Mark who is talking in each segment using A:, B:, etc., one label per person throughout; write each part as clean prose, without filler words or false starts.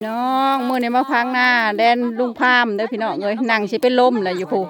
A: น้องมื้อนี้มาพังหน้าแดนลุงพามเด้อพี่น้องเอ้ยนั่งสิเป็นลมเลยอยู่ผู้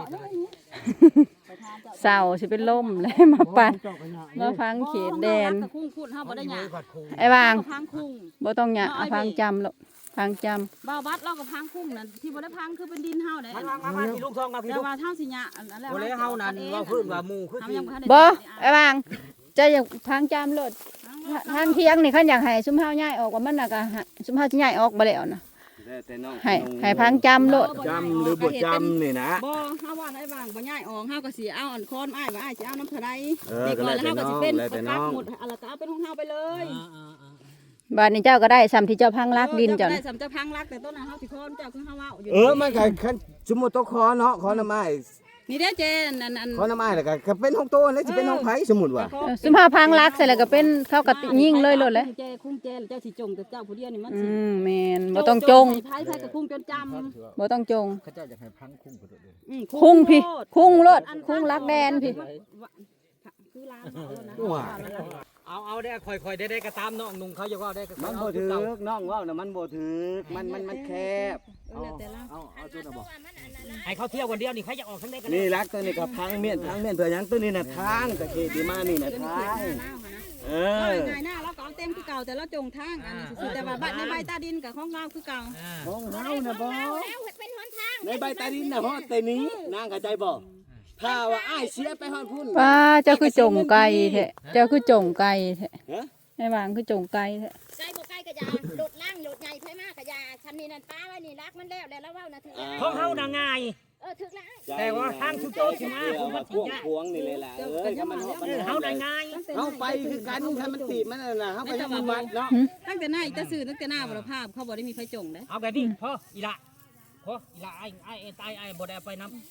A: เศร้าสิเป็นลมเลยมาปั่นมาพังเขตแดนไอ้บางบ่ต้องหยะพังจำหรอกพังจำ
B: บ่าวบัดเรากับพังคุ้งนั่นที่บ่ได้พังคือเป็นดินเฮาเด้
C: มาพี่ลูกทองมาพี่ลูก
B: แต่ว่าเฮาสิหยะอันแล้ว
C: บ่เลยเฮานั่นว่าพื้นว่าหมู่คือสิ
A: บ่ไอ้บางจะอยากพังจำรถทางเที่ยงนี่คันอยากให้ซุมเฮาย้ายออกว่ามันน่ะก็ซุมเฮาสิย้ายออกบ่แล้วนะให้พังจำรถ
C: จำหรือบ่จำนี่นะ
B: บ่เฮาว่าไอ้บางบ่ย้ายออกเฮาก็สิเอาอันคอนอ้ายว่าอ้ายสิเอาน้ำเท่าใดดีกว่าแล้วเฮาก็สิเป็นปักหมดอะไรก็เอาเป็นของเฮาไปเลย
A: บ้านนี้เจ้าก็ได้ซ้ำที่เจ้าพังรักดินเจ้า
B: ได้ซ้ำเจ้าพังรักแต่ต้นนั้นเฮาสิคอนเจ้าคือเฮาเว้าอยู่
C: มันก็คันสมมุติต้องขอเนาะขอน้ำไม้
B: นี่เด้อเจน
C: ขอน้ำไม้แล้วก็เป็นของโตแล้วสิเป็นของไผสมมุติว่า
A: ซุมเฮาพังรักเสร็จแล้วก็เป็นเข้ากับยิงเลยโลดเลย
B: เจคุ้งเจเจ้าสิจงแต่เจ้าผู้เดียวนี่มันสิ
A: แม่นบ่ต้องจง
B: ไผกับคุ้งจนจำ
A: บ่ต้องจง
C: เขาเจ้าอยากให้พังคุ้งก็ได้
A: คุ้งพี่คุ้งรถคุ้งรักแดนพี่
B: คือล้าง
C: เอาได้ค่อยๆได้ก็ตามน้องนุ่งเขาอย่าว่าได้ก็
D: มันบ่ถึกน้องว่าน่ะมันบ่ถึกมันแคบ
C: เอาตัวน่ะบ่ให้เขาเที่ยววันเดียวนี่ใครจะออกทั้งได้กัน
D: นี่รักตัวนี้ก็พังเมียนเผื่อหยังตัวนี้น่ะทางตะเกียบมานี่น่ะทาง
B: ง่ายหน้าเราก็เอาเต็มคือเก่าแต่เราจงทางอันนี้สุดแต่ว่าบ้านในใบตาดินกับของเราคือเก่า
D: ของเฮาน่ะบ่ในใบตาดินน่ะฮอดแต่นี้นางเข้าใจบ่ถ้าว่าอ้ายเสียไปฮอดพุ่น
A: ป้าเจ้าคือจงไก่แท้เจ้าคือจงไก่แท้ไอ้บางคือจงไก่แท้
E: ไก่บ่ไก่กะยาโดดล่างโดดใหญ่ไผมากกะยาฉันนี่นั่นป้าไว้นี่รักมันแล้วเว้านะถือ
C: ของเฮาน่ะง่าย
E: ถึกแล้ว
C: แต่ว่าทางสุดโตสิมา
D: มันพวงนี่เลยล่ะถ้ามัน
C: เฮาได้ง่าย
D: เฮาไปคือกันถ้ามันตีมันน่ะเฮาก็ยังบ่วัดเนาะ
B: ตั้งแต่หน้าอีตาซื่อตั้งแต่หน้าบ่ละภาพเขาบ่ได้มีไฟจงเด้
C: เอาแบบนี้พออีละไอ้บ่ได้ไปนำ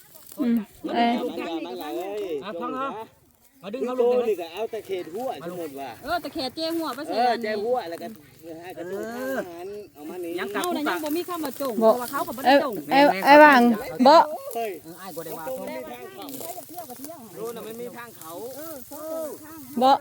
C: ฟังเฮามาดึงเขาลง
D: นี่ก็เอาตะเข็ดหัวสมมุติว่า
B: ตะเข็ดเจ้หัวไปสิ
D: เจ้หัวแล้วก็ให้กระตุ้นหันเอามานี่
B: ยังเฮาน่ะยังบ่มีคำว่าจงเพราะว่าเขาก็บ่ได้จง
A: ไอ้บางบ่
C: อ้ายบ่ได้ว่า
D: รู้น่ะมันมีทางเขา
A: บ่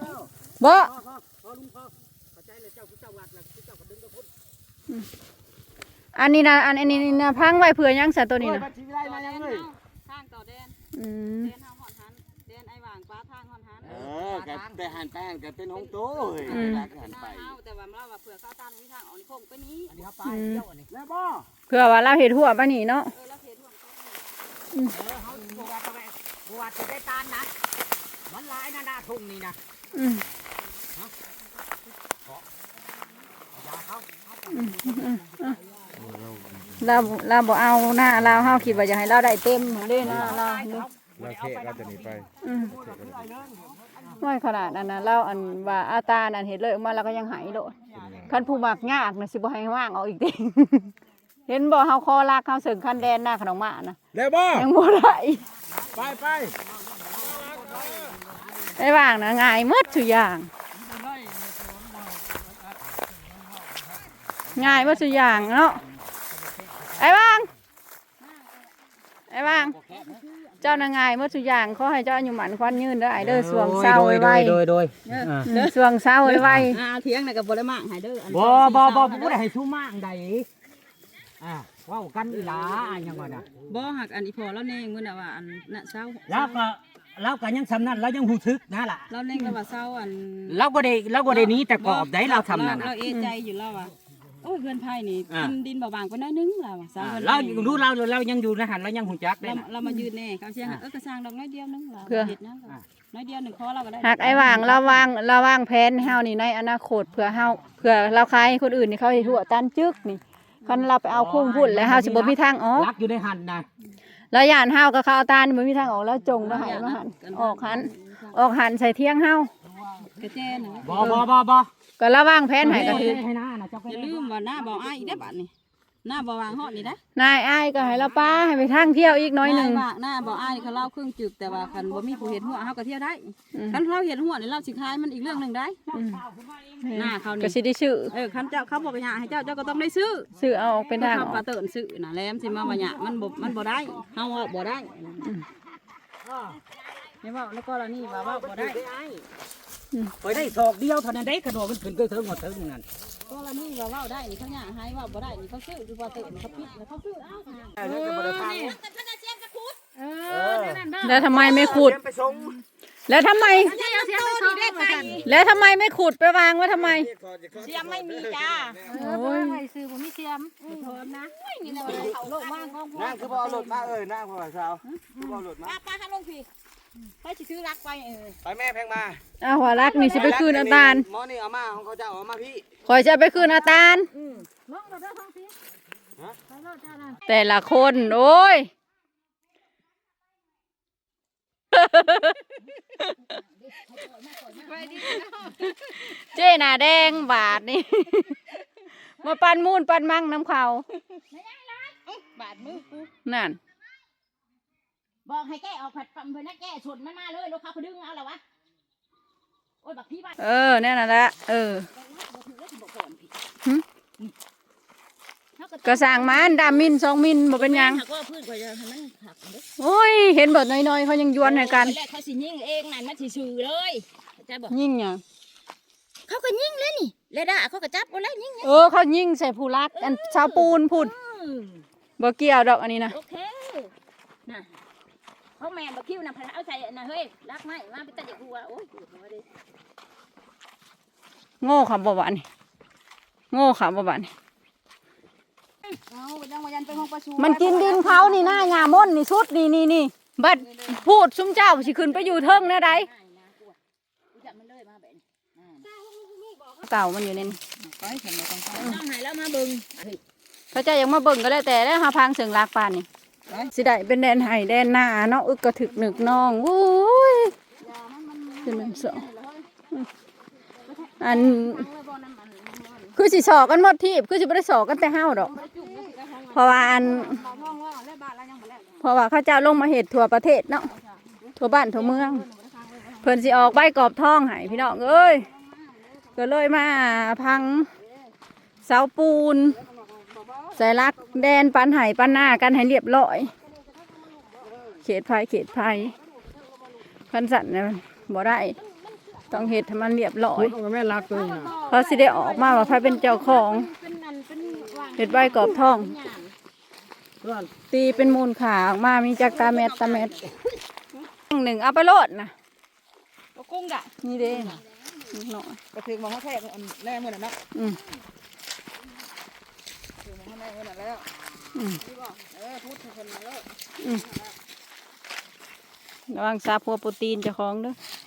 A: อันนี้นะอันนี้นะพังไว้เผื่อยังซะตัวนี้นะ
B: ทางต่อแดนแดนเฮาฮอดหันแดนไอ้หว่างป้าทางฮอดหัน
D: ก็ไปหันก็เป็นของโตเฮ้ยรักหันไป
B: แต่ว่าเราว่าเผื่อเขาตามวิทางออกนี่คงไปนี้
C: อันนี้เฮาไปเที่ยวอันนี้
D: แล้วบ่
A: เผื่อว่าเราเฮ็ดหัวปะนี่เนาะ
B: เราเฮ็ดหัว
C: เฮาบ่ว่าจะได้ตานนะมันหลายนะหน้าทุ่งนี่นะ
A: เราบ่เอาหน้าเราเฮาคิดว่าอยากให้เราได้เต็มเด้หน้าเรา
F: เทะเราจะหนีไป
A: น้อยขนาดนั้นนะเราอันว่าอาตานั่นเห็นเลยมาเราก็ยังหายโลดคันผู้มักยากน่ะสิบ่ให้ว่างเอาอีกเด้เห็นบ่เฮาคอลากเฮาเสิงคันแดนหน้าขนมหมานะ
F: แล้วบ่
A: ยังบ่ได้
F: ไป
A: ได้ว่างนะง่ายหมดทุกอย่างง่ายหมดทุกอย่างเนาะไอ้บางเจ้านางง่ายหมดทุกอย่างขอให้เจ้าอยู่หมันควันยืนเด้อไอ้เด้อสวงเศร้าไว้
C: โดย
A: เด้อสวงเศร้าไว้
B: เถียงน่ะก็บ่ได้มากให้เด้อ
C: บ่บ่ได้ให้ชูมากใดว้าวกันอีหลายังว่าน่ะ
B: บ่หักอันอีพอแล้วแน่งมื้อน่ะว่าอันน่ะเศร้า
C: แล้วก็ยังสำนั้นเรายังหูทึกนะล่ะ
B: เราเล่นกับว่าเศร้าอัน
C: เราบ่ได้นี้แต่กอบได้เราทำนั่น
B: เราเอใจอยู่แล้วว่ะโอ้ยเพื่อนไผ่นี่ดินเบาๆไปน้อยนึงแล้วเศร้า
C: เรารู้เรายังอยู่นะหันเรายังหูจักได้
B: เรามายืนแน่เขาเสียกระซังดอกน้อยเดียวนึงเราเห็ดนะน้อยเดียว1คอเราก็ได้
A: หักไอ้วางระวังแผนเฮานี่ในอนาคตเผื่อเราขายคนอื่นนี่เขาเฮ็ดหัวตันจึกนี่คันเราไปเอาคุ้งพุ่นแล้วเฮาสิบ่มีทางออก
C: รักอยู่ในหันนะ
A: แล้วย่านเฮาก็เขาเอาตานี่บ่มีทางออกแล้วจงแล้วให้มาหันออกหันใส่เที่ยงเฮาก
B: ระเจน
C: บ่
A: ก็ระวังแผนให้ก็คือ
B: อย่าลืมว่าหน้าบ่อ้ายอีกได้บัดนี่หน้าบ่วางฮอดนี่ได้
A: นายอ้ายก็ให้เราป้าให้ไปทางเที่ยวอีกน้อยนึง
B: หน้าบ่อ้ายเขาเล่าครึ่งจึกแต่ว่าคันบ่มีผู้เฮ็ดหัวเฮาก็เที่ยวได้คันเราเฮ็ดหัวนี่เราสิขายมันอีกเรื่องนึงได้หน้าเขานี่
A: ก็สิได้ซื้อ
B: คันเจ้าเขาบ่ไปหาให้เจ้าก็ต้องได้ซื้อ
A: เอาเป็นทาง
B: ปลาเติ้นซื้อน่ะแหลมสิมาบ่หยะมันบ่ได้เฮาบ่ได้ไม่ว่าแล้วก็ละนี่ว่าบ่ได้
C: ไปได้ศอกเดียวเท่านั้นได้กระโดดมันขึ้นก็เถิงหมดเถิงนั่น
B: ก็ละนี่ว่าเว้าได้นี่เขาย่างให้ว่าบ่ได้นี่เขาซื้อคือว่าเติมเขาปิดแล้วเขาซื้อเอ้า
A: แล้วทำไมไม่ขุด
D: ไปส่ง
A: แล้วทำไม แล้วทำไมไม่ขุดไปวางไว้ทำไม
E: เสียมไม่มีจ้า
A: โอ้ย
B: ซื้อบ่มีเสียมโทษนะ
E: นี่แหละเขาโลกมากของพ่อ
D: นั่งคือบ่เอารถมานั่งพ่อสาวบ่เอารถมา
E: ป้าทำลงพี่ไปสิซื้อรักไป
D: ไปแม่แพงมา
A: เอาหัวรักนี่สิไปคืนอาตาล
D: หมอนี่เอามาของเขาจะเอามาพี่
A: คอยจะไปคืนอาตาล
B: ลงแล้วเด้อท้องสิไปโลดจ้านั่น
A: แต่ละคนโอ้ย เจ้หน้าแดงบาทนี่ มาปันมูนปันมั่งน้ำเขา
E: บาดมือกู
A: นั่น
E: บอกให้แกออกผัดปั๊มเพื่อนนะแกชนมันมาเลยลูกค้าเขาดึงเอาแล้ววะโอ้ยบักพี่บ้าน
A: แน่นอนละก็สั่งมันดามิน2 มิลบ่เป็นหยัง
E: ก็พืชกว่าจะให้มันผักเด้อ
A: โอ้ย เห็นเบิดน้อยๆเขายังยวนให้กัน
E: แรกเขาสิยิงเองนั่นมันสิซื้อเลยจะบอก
A: ยิ่งหยัง
E: เขาก็ยิงเลยนี่เลยด่าเขาก็จับเอาเลยยิง
A: เขายิ่งใส่ผู้รัก อันชาวปูนพุ่นบ่เกี่ยวดอกอันนี้นะ
E: โอเคน่ะเขาแม่บักคิ้วน่ะพนักเอาใส่น่ะเฮ้ยรักไหมมาไปตัดเด็กหัวโอ้ยปวดหัวดิ
A: โง่ค่ะบ่บานนี่โง่ค่ะบ่บานนี่
E: เอายังมายันไปห้องประชุม
A: มันกินดินเขานี่หน้าหญ้าม่นนี่ชุดนี่บัดพูดซุมเจ้าสิขึ้นไปอยู่เทิงแนะใด
E: จับมันเลยมาแบบนี้
A: เก่ามันอยู่ในนี่
E: ต้องหายแล้วมาบึง
A: พระเจ้ายังมาเบิ่งก็แล้วแต่แล้วหาพังเสียงลากปานนี่สิได้เป็นแดนไห้แดนหน้าเนาะอึกกระถึกหนึกน้องโอ้ยเป็นมันสองอันคือสิสอกันหมดทีบคือสิบ่ได้สอกันแต่เฮาดอกเพราะว่าเขาเจ้าลงมาเฮ็ดทั่วประเทศเนาะทั่วบ้านทั่วเมืองเพิ่นสิออกใบกรอบทองให้พี่น้องเอ้ยก็เลยมาพังเสาปูนใส่ลักแดนปันไห้ปันหน้ากันให้เรียบร้อยเขตภัยพันสันเนี่ยบ่ได้ต้องเฮ็ดให้มันเรียบร้อย
C: แม่รักตัวน่ะ
A: เพราะสิได้ออกมาว่าใครเป็นเจ้าของเฮ็ดใบกรอบทอง ตีเป็นมูลขาออกมามีจากตาเม็ดหนึ่งเอาไปโลดนะ
B: กุ้งกะ
A: นี่เด้หน่อย
B: ก็ถึงมองเขาแท้แน่มื้อนั้นเนาะ
A: อืม
B: ถึงมองแน่มื้อนั้นแล้ว
A: อืม
B: พูดถึงคนมาแล้ว
A: ระวังซาพัวโปรตีนเจ้าของเด้อ